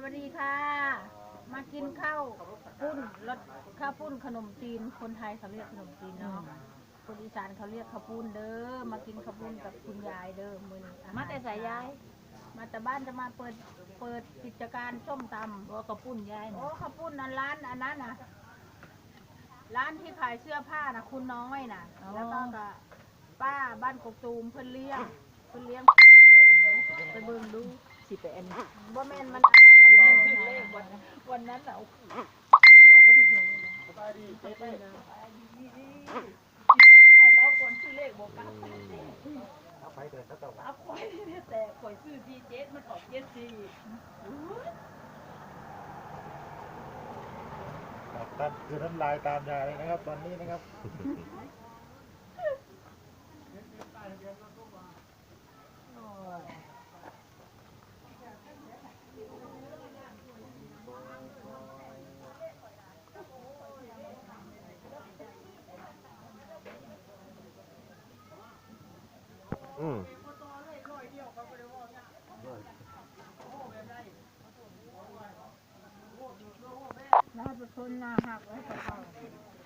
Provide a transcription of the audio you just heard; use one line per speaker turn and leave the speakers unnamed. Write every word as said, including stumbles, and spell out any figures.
วัสดีค่ะมากินข้าวปุ้นรสข้าวปุ้นขนมจีนคนไทยเขาเรียกขนมจีนเนาะคนอีสานเขาเรียกข้าวปุ้นเด้อมากินข้าวปุ้นกับคุณยายเด้อมื้อนี้มาแต่สายยายมาแต่บ้านจะมาเปิดเปิดกิจการส้มตำว่าข้าวปุ้นยายโอ้ข้าวปุ้นนั้นร้านอันนั้นน่ะร้านที่ขายเสื้อผ้าน่ะคุณน้อยน่ะแล้วก็กับป้าบ้านกกตูมเพิ่นเลี้ยงเพิ่นเลี้ยงไปเบิ่งดูสิไปอันบ่แม่นมันอันนั้นละบ่ถึงเลขวันวันนั้นน่ะเขาถูกหวยเลยสบายดีเจ๊ไปสิไปให้แล้วคนชื่อเลขบ่กลับเอาไปเดินแล้วต่อเอาไปเนี่ยแต่ข่อยซื้อที่เจ็ดมันออกเจ็ดสี่
ท่านคือน้ำลายตามยายเลยนะครับตอนนี้นะครับ
อืม
น่าจะทนน่าหักไว้กับเขา